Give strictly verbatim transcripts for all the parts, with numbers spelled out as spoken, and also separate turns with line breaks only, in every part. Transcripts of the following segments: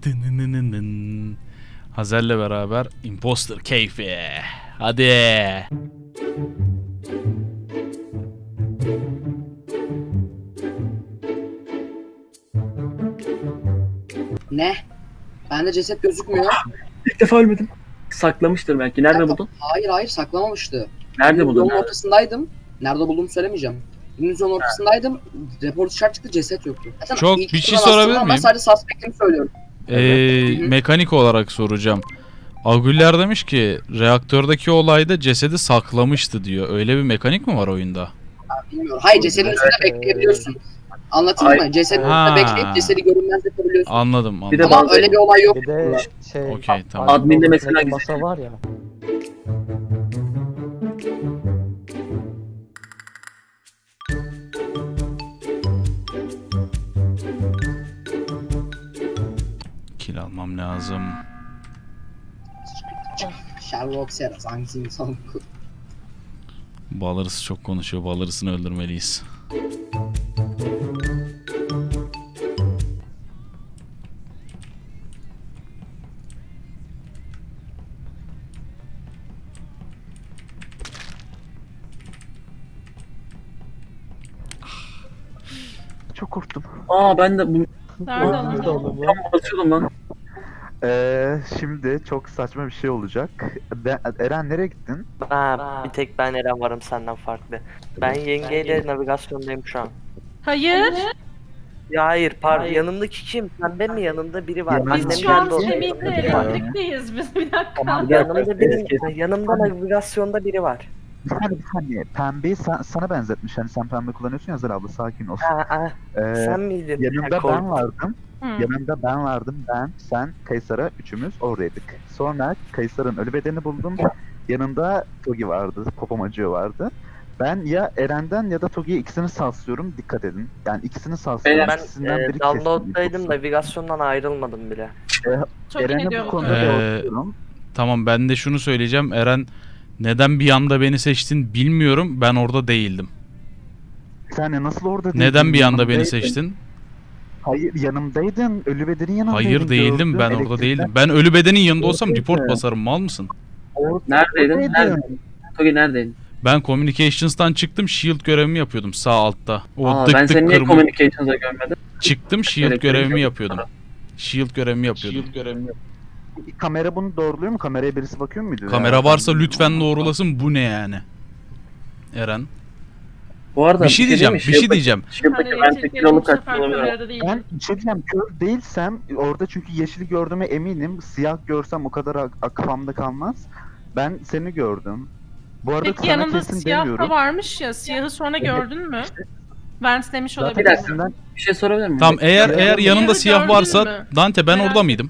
Dınınınının. Hazel'le beraber imposter keyfi. Hadi.
Ne? Bende ceset gözükmüyor.
İlk defa ölmedim. Saklamıştır belki. Nerede buldun?
Hayır hayır saklamamıştı.
Nerede buldun?
Yolun ortasındaydım. Nerede bulduğumu söylemeyeceğim. Dümdüz yolun ortasındaydım. Report dışarı çıktı, ceset yoktu. Zaten
Çok
ilk
bir şey
turdan
sorabilir
aslında
miyim?
Ben sadece suspect'imi söylüyorum.
Ee,
Hı hı.
mekanik olarak soracağım. Agüller demiş ki reaktördeki olayda cesedi saklamıştı diyor. Öyle bir mekanik mi var oyunda?
Bilmiyorum. Hayır, cesedin üstünde bekleyebiliyorsun. Anlatayım
Ay-
mı? Cesedin
Ha.
üstünde bekleyip cesedi görünmez yapabiliyorsun.
Anladım
Bir de
anladım.
Ama
bazı-
öyle bir olay yok.
Bir de şey,
Okey, tamam.
Admin'de mesela
odasındaki masa var ya.
Kill almam lazım.
Sherlock Serras hangisi insan?
Balırısı çok konuşuyor. Balırısını öldürmeliyiz.
Çok korktum.
Aa ben de bu
Nerede
Nerede
oğlum?
oğlum bu?
tam basıyordum lan.
Ee, şimdi çok saçma bir şey olacak. Ben, Eren nereye gittin?
Ha, bir tek ben Eren varım senden farklı. Ben yengeyle navigasyondayım şu an.
Hayır.
Ya hayır, pardon. Yanımdaki kim? Pembe mi? Yanımda biri var.
Yanımda-
Biz
Annem
şu an
geldi oraya.
Semih'le elektrikteyiz biz. Bir dakika.
Yanımda biri, yanımda navigasyonda biri var.
Bir saniye bir saniye. Pembeyi sen, sana benzetmiş. Hani sen pembe kullanıyorsun ya Zara abla, sakin ol.
Ha, ha,
Ee,
sen miydin?
yanımda
Ha, kork-
ben vardım.
Hı.
Yanımda ben vardım. Ben, sen, Kaysar'a üçümüz oradaydık. Sonra Kaysar'ın ölü bedenini buldum. Yanında Togi vardı. Popomacı vardı. Ben ya Eren'den ya da Togi'ye ikisini salsıyorum. Dikkat edin. Yani ikisini salsıyorum.
Ben
İkisinden
e,
biri
download'daydım,
kesin.
navigasyondan ayrılmadım bile.
Çok
Eren'e
iyi
bu
diyor bu
konuda
Ee,
doğruluyorum.
Tamam, ben de şunu söyleyeceğim. Eren, neden bir anda beni seçtin bilmiyorum. Ben orada değildim.
Sen nasıl orada değildin?
Neden bir anda beni
Yanımdaydın.
seçtin?
Hayır, yanımdaydın. Ölü bedenin yanındaydın.
Hayır değildim.
gördüm.
Ben orada
Elektrikten
değildim. Ben ölü bedenin yanında olsam
Oradaydı.
report basarım. Mal mısın?
orada-
Neredeydin?
oradaydın.
Neredeydin? Togi neredeydin?
Ben communications'tan çıktım. Shield görevimi yapıyordum sağ altta. O
Aa,
dık
ben
dık
seni niye
kırmızı.
communications'a görmedim?
Çıktım, shield
Elektrik
görevimi
yok.
yapıyordum. Shield görevimi yapıyordum.
Kamera bunu doğruluyor mu? Kameraya birisi bakıyor muydu?
Kamera
Ya,
varsa
ben-
lütfen doğrulasın. Bu ne yani? Eren.
Bu arada
Bir şey diyeceğim. Bir şey diyeceğim.
Shield'daki
Hani
ben
elektriklerin
tek kiralık
bu sefer
kaçtı olabilir.
kamerada değil.
Ben bir şey diyeceğim. Kör değilsem orada, çünkü yeşili gördüğüme eminim. Siyah görsem o kadar ak- ak- kafamda kalmaz. Ben seni gördüm. Bu arada
Peki
sana
yanında
kesin
siyah
demiyorum.
da varmış ya. Siyahı sonra gördün mü? Vance demiş
Zaten
olabilir.
Bir dakika.
ikisinden-
Bir şey sorabilir miyim?
Tamam, eğer
Ya,
eğer
ya,
yanında
ya,
siyah
gördün
varsa
mü?
Dante ben
Merak
orada mıydım?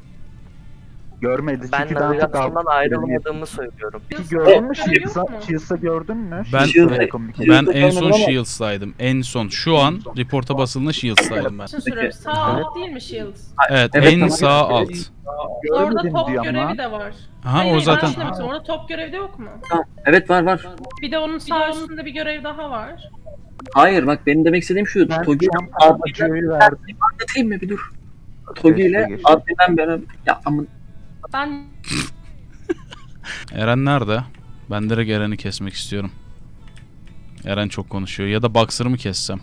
görmedi.
Ben
Çünkü daha çok
navigasyondan
aldım.
ayrılmadığımı söylüyorum.
Peki gördün mü?
Yok
Shields'a
mu?
Shields'a gördün mü?
Ben-
Shields'a
Ben-
communication.
Ben
Shield'da
en son
görmedim ama-
Shields'taydım. En son. Şu an reporta basıldığında Shields'taydım ben.
Şimdi soruyorum. Sağ alt değil mi Shields?
Evet,
Evet,
en
tamam.
sağ alt.
Orada
Görmedim
top
diyor
görevi
ama.
de var.
Aha,
Hayır,
o
hayır,
zaten.
ben şunu demek istiyorum. Orada top görevi de yok mu?
Tamam. Evet var var.
Bir de onun sağ üstünde bir görev daha var.
Hayır bak benim demek istediğim şu.
Ben
Togi
şu an
adminden
Popomacı'yı verdim.
anlatayım mı bir dur. Togi
Geçti,
ile
geçti.
adminden beraber ya amın
Ben
Eren nerede? Ben direkt Eren'i kesmek istiyorum. Eren çok konuşuyor. Ya da Boxer'ı mı kessem?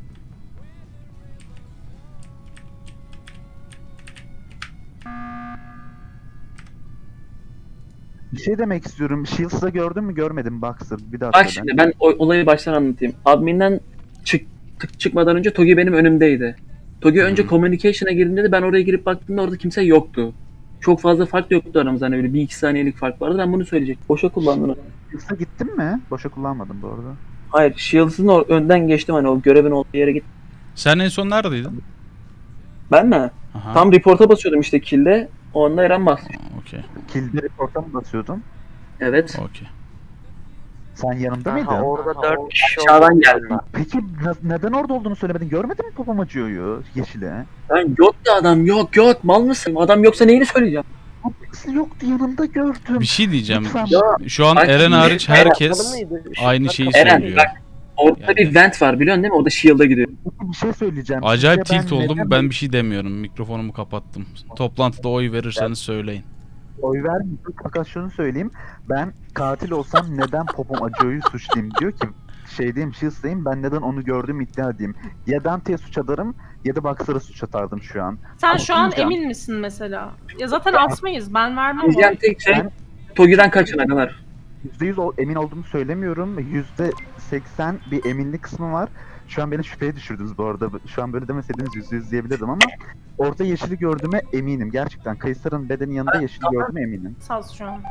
Bir şey demek istiyorum. Shields'da gördün mü? Görmedim Boxer. Bir daha
Bak
söyle.
şimdi ben o, olayı baştan anlatayım. Admin'den çık, tık- çıkmadan önce Togi benim önümdeydi. Togi önce
Hı.
communication'a girdiğinde de ben oraya girip baktığımda orada kimse yoktu. Çok fazla fark yoktu aramızda, hani öyle bir iki saniyelik fark vardı, ben bunu söyleyecektim. Boşa kullandın onu.
Shields'a gittin mi? Boşa kullanmadım bu arada.
Hayır, Shields'ın o- önden geçtim, hani o görevin olduğu yere git.
Sen en son neredeydin?
Ben mi?
Aha.
Tam report'a basıyordum işte kill'de. O anda Eren bastı.
Okey.
Kill'de report'a mı basıyordun?
Evet.
Okey.
Sen yanımda
Aha,
mıydın?
orada dört kişi
Aşağıdan
oldu.
geldim.
Peki ne- neden orada olduğunu söylemedin? Görmedin mi Popomacı'yı yeşile?
Ben yoktu adam, yok yok, mal mısın? Adam yoksa neyini söyleyeceğim?
Nasıl yoktu, yanımda gördüm.
Bir şey diyeceğim.
Lütfen.
Ya
Şu an
Bak,
Eren hariç
Eren,
herkes
Mıydı?
aynı şeyi
Eren
söylüyor.
bak, Orada
Yani-
bir vent var biliyorsun değil mi? O da shield'a gidiyor.
Peki bir şey söyleyeceğim.
Acayip
Sizce
tilt
ben
oldum.
neden
Ben bir şey demiyorum. Mikrofonumu kapattım. Toplantıda oy verirseniz söyleyin.
oy vermiyorum? Fakat şunu söyleyeyim. Ben katil olsam neden Popom Acıo'yu suçlayayım diyor ki. Şey diyeyim, Shield'dayım, ben neden onu gördüm iddia edeyim. Ya Dante'ye suç atarım ya da Boxer'a suç atardım şu an.
Sen
Ama
şu an
diyeceğim.
emin misin mesela? Ya zaten asmayız. Ben vermem
Diyeceğim
oy.
tek şey
Ben-
Togi'den kaçın kadar.
yüzde yüz ol- emin olduğumu söylemiyorum. yüzde seksen bir eminlik kısmı var. Şu an beni şüpheye düşürdünüz bu arada. Şu an böyle demeseydiniz yüzde yüz diyebilirdim ama orada yeşili gördüğüme eminim. Gerçekten Kayısar'ın bedenin yanında yeşili gördüğüme eminim.
Saz şu an.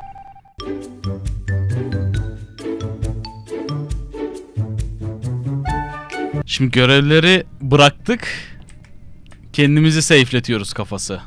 Şimdi görevleri bıraktık. Kendimizi safe'letiyoruz kafası.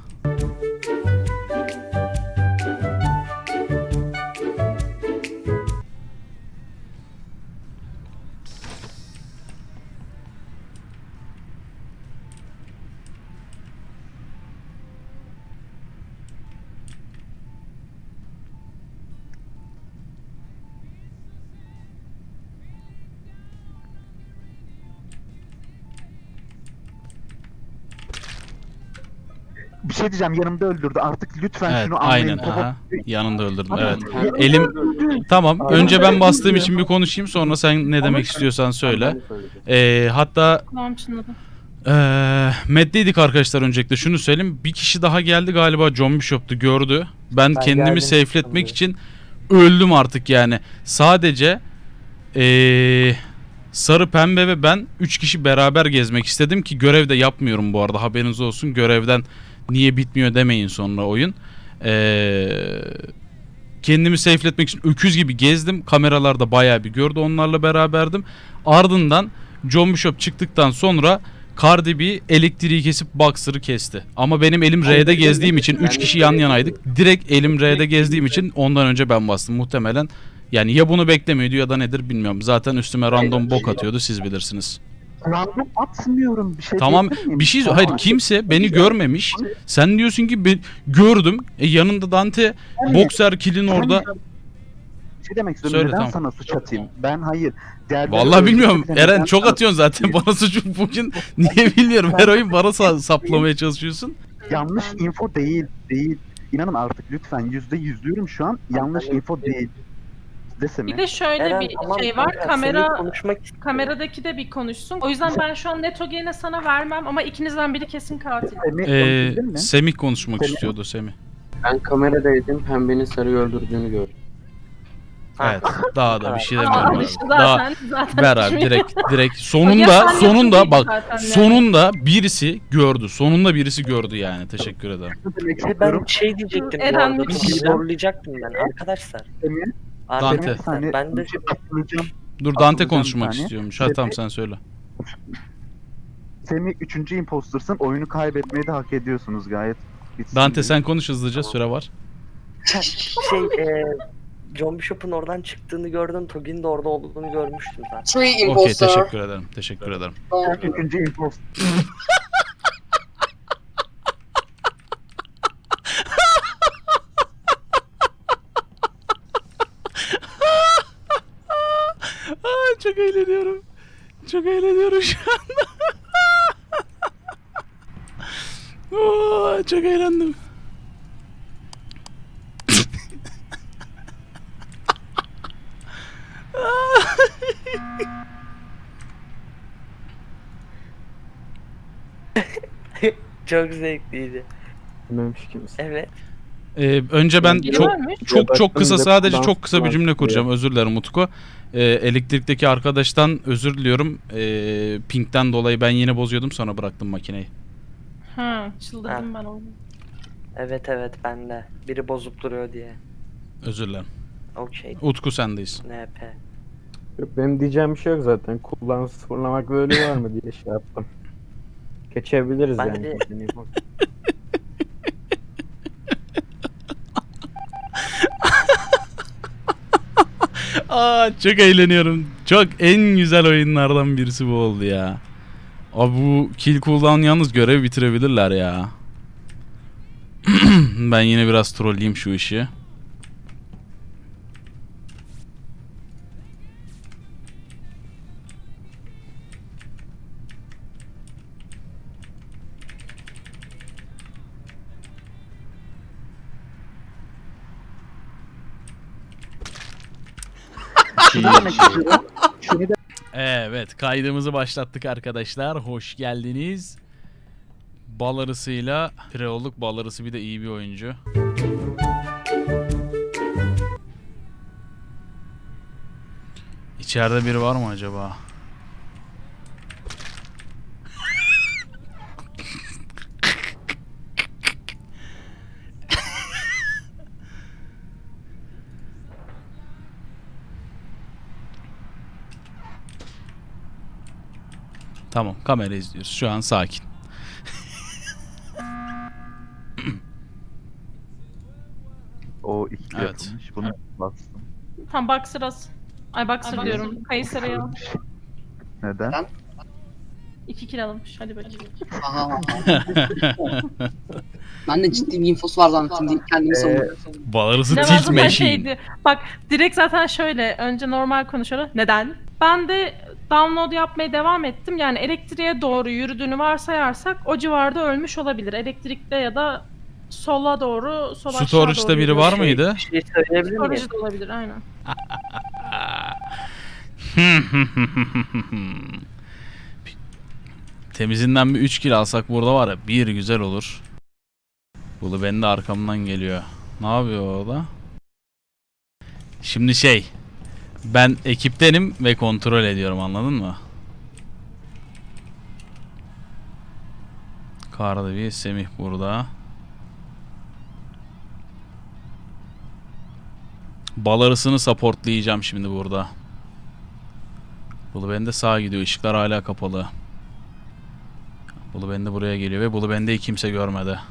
Bir şey diyeceğim, yanımda öldürdü. Artık lütfen
Evet,
şunu anlayın.
aynen.
Popom-
Aha. Yanında öldürdüm.
Ama-
Evet. Elim tamam. Önce ben bastığım için bir konuşayım. Sonra sen ne demek istiyorsan söyle. Ee, hatta
Tamam çınladım.
Eee meddeydik arkadaşlar öncelikle şunu söyleyeyim. Bir kişi daha geldi galiba, John Bishop'tu, gördü. Ben,
Ben
kendimi
geldim,
safe'letmek
çıktım
için öldüm artık yani. Sadece eee, sarı, pembe ve ben üç kişi beraber gezmek istedim ki görev de yapmıyorum bu arada, haberiniz olsun. Görevden niye bitmiyor demeyin sonra oyun. Eee kendimi safe'letmek için öküz gibi gezdim. Kameralarda bayağı bir gördü, onlarla beraberdim. Ardından John Bishop çıktıktan sonra Cardi B elektriği kesip Boxer'ı kesti. Ama benim elim R'de gezdiğim için üç kişi yan yanaydık. Direkt elim R'de gezdiğim için ondan önce ben bastım muhtemelen. Yani ya bunu beklemiyordu ya da nedir bilmiyorum. Zaten üstüme random bok atıyordu, siz bilirsiniz.
Random atmıyorum. Bir şey
Tamam,
diyebilir miyim?
bir şey
Tamam.
hayır, kimse beni görmemiş. Sen diyorsun ki ben gördüm. E, yanında Dante Boxer kill'in orada.
Bir şey demek istiyorum.
Söyle,
neden
tamam.
sana suç atayım? Ben hayır. Diğerleri
Vallahi bilmiyorum.
öldürse bile
Eren
neden
çok
sana-
atıyorsun zaten bana suçu bugün. Niye bilmiyorum. Her oyun bana sa- saplamaya çalışıyorsun.
Yanlış info değil. Değil. İnanın artık lütfen. Yüzde yüzlüyorum şu an. Yanlış info değil. Desene.
Bir de şöyle
Eren,
bir
tamam,
şey var.
Eren,
Kamera
seninle konuşmak istiyorum.
kameradaki de bir konuşsun. O yüzden ben şu an Netogene'e sana vermem ama ikinizden biri kesin katil.
Semih
Ee,
konuşabildin mi?
Semih konuşmak
Semih.
istiyordu, Semih.
Ben kameradaydım, pembenin sarıyı öldürdüğünü gördüm.
Ha.
Evet. Daha da bir şey
Aa,
demiyorum. abi.
işte
Daha
zaten, zaten
ver abi
düşünüyorum.
direkt direkt
Ya
sonunda
sen
sonunda
Netogene'ydin
bak
zaten yani.
sonunda birisi gördü. Sonunda birisi gördü yani. Teşekkür ederim.
Ne demek
Bir de
istiyorum?
ben şey diyecektim bu
Eren
arada.
müthiş.
Togi'yi zorlayacaktım ben arkadaşlar.
Semih,
Dante.
bir saniye.
Ben de
bir şey hatırlayacağım.
Dur, Dante
Atılacağım
konuşmak
bir saniye.
istiyormuş. Ha tamam, sen söyle.
Semih üçüncü impostersın. Oyunu kaybetmeyi de hak ediyorsunuz gayet. Bitsin
Dante
diye.
sen konuş hızlıca, süre var.
Şey e, John Bishop'un oradan çıktığını gördüm. Togi'nin de orada olduğunu görmüştüm zaten.
Three
Okey,
imposter.
teşekkür ederim. Teşekkür ederim.
Sen üçüncü imposter.
Aa, çok eğleniyorum. Çok eğleniyorum şu anda. Oo, çok eğlendim.
Çok zevkliydi.
Bilmemiş kimse.
Evet.
Ee, önce ben
Biri
çok
varmış.
çok çok kısa,
baktım,
sadece
dans
çok kısa bir cümle
var
kuracağım. Özür dilerim Utku. Ee, elektrikteki arkadaştan özür diliyorum. Ee, Pink'ten dolayı ben yine bozuyordum, sonra bıraktım makineyi.
Ha, çıldırdım ben onu.
Evet evet ben de. Biri bozup duruyor diye.
Özür dilerim.
Okey.
Utku sendeyiz.
N P.
Yok, benim diyeceğim bir şey yok zaten. Kullan sıfırlamak böyle var mı diye şey yaptım. Geçebiliriz
Ben
yani.
de-
Aa, çok eğleniyorum. Çok en güzel oyunlardan birisi bu oldu ya. Abi bu kill cooldown yalnız görev bitirebilirler ya. Ben yine biraz trolleyeyim şu işi. Ee,
Şunu demek istiyorum. Şunu da
Evet, kaydımızı başlattık arkadaşlar. Hoş geldiniz. Bal arısıyla pire olduk. Bal arısı bir de iyi bir oyuncu. İçeride biri var mı acaba? Tamam, kamera izliyoruz. Şu an sakin.
o iki
Evet.
yapılmış. Bunu bastım.
Tam Boxer as. Ay Boxer diyorum. Kayseri'ye al.
Neden?
Ben-
İki kill alınmış. Hadi bakayım.
Aha. Ben de ciddi bir infosu var zannettim deyip kendimi savunuyorum.
Bal arısı
Ne
tilt
var zaten
machine.
şeydi. Bak direkt zaten şöyle. Önce normal konuşuyorlar. Neden? Ben de download yapmaya devam ettim. Yani elektriğe doğru yürüdüğünü varsayarsak o civarda ölmüş olabilir. Elektrikte ya da sola doğru, sol aşağı
Storage'da
doğru
biri
yürüyor.
var mıydı?
Bir şey söyleyebilir miyim?
Storage de olabilir aynen.
Temizinden bir üç kill alsak burada var ya bir güzel olur. Bulu beni de arkamdan geliyor. Ne yapıyor o da? Şimdi şey, ben ekiptenim ve kontrol ediyorum, anladın mı? Kardevi Semih burada. Bal arısını supportlayacağım şimdi burada. Bulu bende sağa gidiyor. Işıklar hala kapalı. Bulu bende buraya geliyor ve Bulu bendeyi kimse görmedi.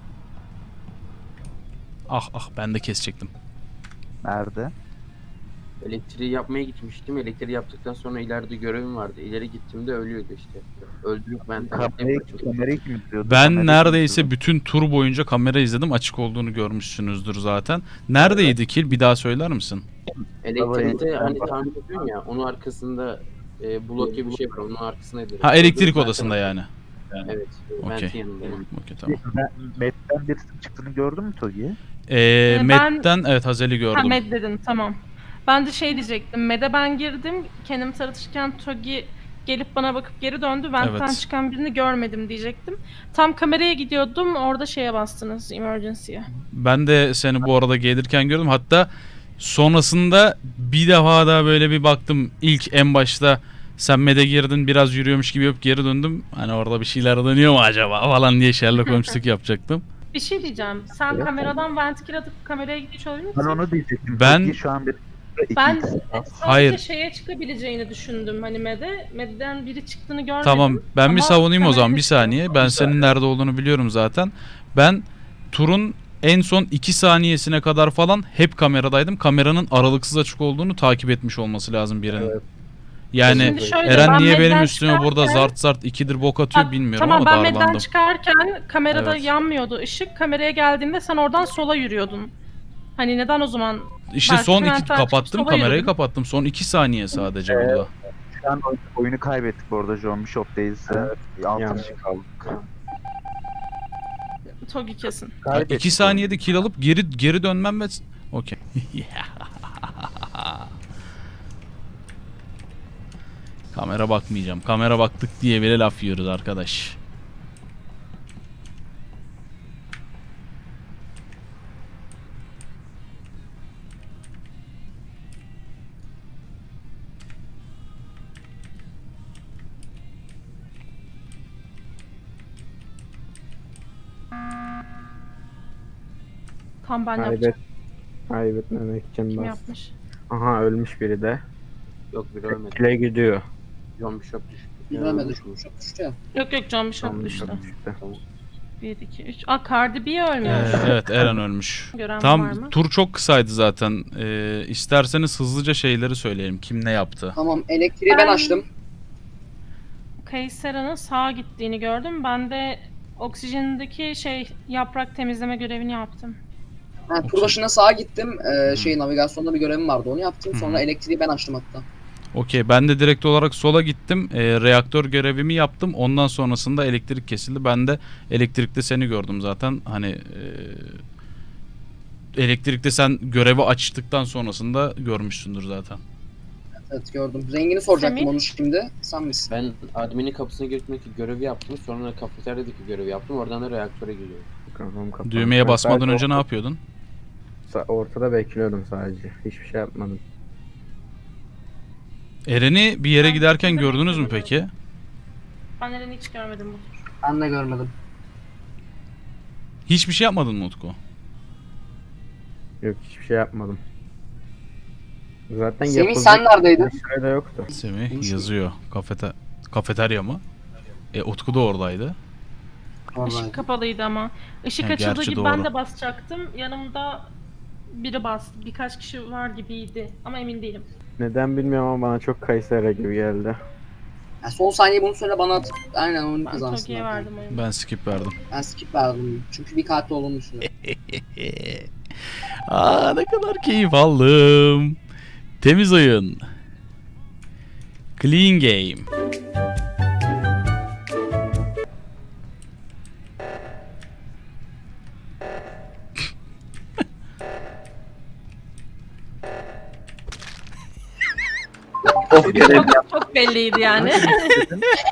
Ah ah, ben de kesecektim.
Nerede?
Elektriği yapmaya gitmiştim. Elektriği yaptıktan sonra ileride görevim vardı. İleri gittiğimde ölüyordu işte. Öldürüp ben
Kamerayı, kamerayı kim izliyordu?
Ben
Kamerayı kim
neredeyse
izliyordu?
bütün tur boyunca kamera izledim. Açık olduğunu görmüşsünüzdür zaten. Neredeydi kill? Bir daha söyler misin?
Elektrikte hani tahmin ediyorsun ya, onun arkasında e, blok gibi bir şey var. Onun arkasındaydı.
Ha, elektrik
Ben-
odasında yani.
Evet.
Okey.
Vent'in yanındayım.
Okey, tamam.
Ben, Med'den birisinin çıktığını gördün mü Togi?
Ee,
ben-
Med'den evet Hazel'i
Ha
gördüm.
Med dedin tamam. Ben de şey diyecektim. Med'e ben girdim. Kendimi tanıtırken Togi gelip bana bakıp geri döndü. Vent'ten
Evet.
çıkan birini görmedim diyecektim. Tam kameraya gidiyordum. Orada şeye bastınız. Emergency'ye.
Ben de seni bu arada gelirken gördüm. Hatta sonrasında bir defa daha böyle bir baktım. İlk en başta sen Med'e girdin, biraz yürüyormuş gibi yapıp geri döndüm. Hani orada bir şeyler dönüyor mu acaba falan diye Sherlock Holmes'luk yapacaktım.
Bir şey diyeceğim. Sen
Evet.
kameradan vent kill atıp kameraya gitmiş olabilir misin?
Ben onu diyecektim.
Ben-
Togi şu an bir iki
Ben
X.
sadece
Hayır.
şeye çıkabileceğini düşündüm hani Med'e. Med'den biri çıktığını görmedim.
Tamam, ben bir
Ama
savunayım o zaman,
kamerada
bir
çıkıyor.
saniye. Ben senin nerede olduğunu biliyorum zaten. Ben turun en son iki saniyesine kadar falan hep kameradaydım. Kameranın aralıksız açık olduğunu takip etmiş olması lazım birinin. Yani
Şimdi şöyle,
Eren
ben
niye benim
Med'den
üstüme burada
çıkarken-
zart zart ikidir bok atıyor
Bak,
bilmiyorum
tamam,
ama
ben Med'den
darlandım.
çıkarken kamerada
Evet.
yanmıyordu ışık. Kameraya geldiğinde sen oradan sola yürüyordun. Hani neden o zaman?
İşte
Belki
son iki
Levent'ten çıkıp
kapattım,
sola
kamerayı
yürüdün.
kapattım. Son iki saniye sadece
Evet.
burada.
Şu an oy- oyunu kaybettik bu arada John Bishop değilse. Altı
Yani.
kişi kaldık.
Togi kesin.
Kaybettik
iki saniyede kill alıp geri geri dönmem ve... Okey. Kamera bakmayacağım. Kamera baktık diye bile laf yiyoruz arkadaş.
Tam ben
Kaybet,
yapacağım.
kaybetmemek için
Kim
bas.
yapmış?
Aha, ölmüş biri de.
Yok bir ölmedi.
Kile gidiyor.
John Bishop düştü.
Görmedi düşmüş. Düştü ya.
Yok yok John Bishop
Tamam,
düştü.
düştü.
bir, iki, üç. Aa Cardi B ölmüş.
Ee, evet, Eren ölmüş.
Gören var
Tam
mı?
tur çok kısaydı zaten. Ee, isterseniz hızlıca şeyleri söyleyelim. Kim ne yaptı?
Tamam, elektriği ben
Ben-
açtım.
Kaysera'nın sağa gittiğini gördüm. Ben de oksijendeki şey yaprak temizleme görevini yaptım.
Ha, tur başına sağa gittim. Ee, şey navigasyonda bir görevim vardı. Onu yaptım.
Hı.
Sonra elektriği ben açtım hatta.
Okey, ben de direkt olarak sola gittim. Ee, reaktör görevimi yaptım. Ondan sonrasında elektrik kesildi. Ben de elektrikte seni gördüm zaten. Hani ee, elektrikte sen görevi açtıktan sonrasında görmüşsündür zaten.
evet gördüm. Rengini soracaktım
Semih?
onu şimdi. Sen misin?
Ben adminin kapısına girmekle görevi yaptım. Sonra kafeteryadaki görevi yaptım. Oradan da reaktöre gidiyorum.
Kafam kapandı.
Düğmeye
Ben
basmadan
sadece
önce ne
orta-
yapıyordun?
sa- Ortada bekliyordum sadece. Hiçbir şey yapmadım.
Eren'i bir yere giderken gördünüz mü peki?
Ben Eren'i hiç görmedim bu tur.
Ben de görmedim.
Hiçbir şey yapmadın mı Utku?
Yok hiçbir şey yapmadım. Zaten
Semih
yapılacak
sen neredeydin?
bir şey de yoktu.
Semih
Konuşma.
yazıyor. Kafete kafeterya mı? E Utku da oradaydı.
Vallahi.
Işık kapalıydı ama. Işık
Ha,
açıldığı
gerçi
gibi
doğru.
ben de basacaktım. Yanımda biri bastı. Birkaç kişi var gibiydi. Ama emin değilim.
Neden bilmiyorum ama bana çok Kayseri gibi geldi.
Yani son saniye bunu söyle bana at. Aynen onu
Ben
kazansın.
Togi'ye
zaten.
verdim oyunu.
Ben skip verdim.
Ben skip verdim. Çünkü bir katil olduğunu düşünüyorum.
Aa ne kadar keyif aldım. Temiz oyun. Clean game.
Of görev
Çok, çok belliydi yani.